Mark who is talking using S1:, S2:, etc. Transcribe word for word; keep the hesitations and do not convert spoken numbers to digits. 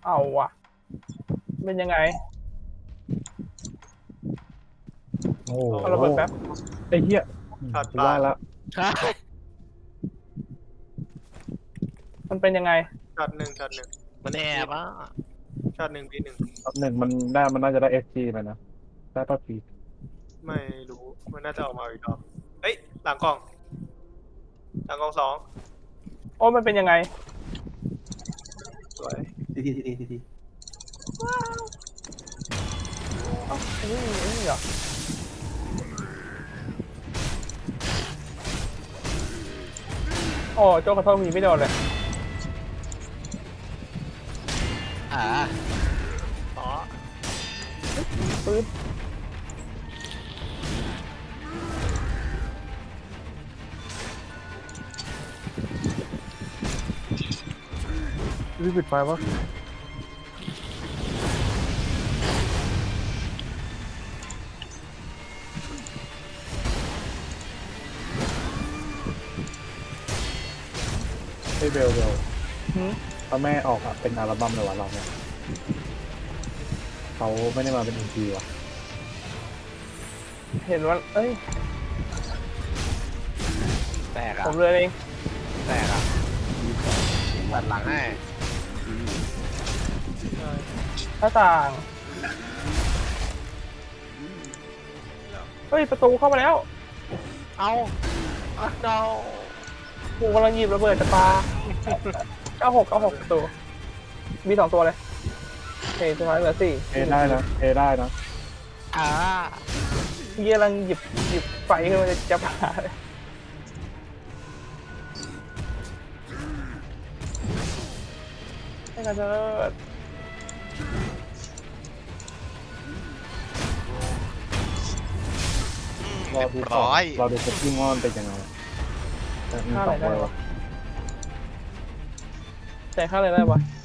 S1: เอาว่ะเป็นยังไง
S2: โอ้โห
S1: เอาระเบิดแป๊บ
S2: ไอ้เหี้ย
S3: ช็อต
S2: กู
S3: ปา
S2: ว่าแล้ว
S4: ใช่
S1: มันเป็นยังไง
S3: ช็อตหนึ่งช็อตหนึ่ง
S4: มันแอบอ่ะ
S3: ช็อตหนึ่งปีหนึ่ง
S2: รอบหนึ่งมันได้มันน่าจะได้เอสจีไปนะได้ป่ะพี
S3: ไม่รู้มันน่าจะออกมาอีกรอบเฮ้ยหลังกล่องหลังกล่องสอง
S1: โอ้มันเป็นยังไง
S3: สวย
S5: ทีทีทีทีทีที
S1: เอ้าอันนี้อันนี้เหรอโอ้โจ้ขอโทษมีไม่โดนเลย
S4: อ่า
S3: ต่อ
S1: ปื๊ดรีบปิดไฟปะ
S2: ไอ้เบลเบล
S1: หืม
S2: ถ้าแม่ออกอะเป็นอัลบั้มเลยวะเราเนี่ยเขาไม่ได้มาเป็นอีพีว่ะ
S1: เห็นว่าเอ้ย
S4: แตกอ่ะ
S1: ผมเลยเอง
S4: แตกอ่ะตัดหลังให้
S1: หน้าต่าง เฮ้ย ประตูเข้ามาแล้ว
S4: เอาเอาเอา
S1: กูกำลังหยิบระเบิดจากปลา เก้าหก เก้าหกประตู มีสองตัวเลยโอเคสุดท้ายเหลือสี่
S2: เอได้นะเอได้นะ
S4: อ่า
S1: พี่กำลังหยิบหยิบไฟขึ้นมาจะปลาเลยให้กันเถิด
S2: รอดูต่อรอดูสกิลงอนเป็นยังไงแต่มีสองตัววะ
S1: แต่ค่าอะไรได้ปะ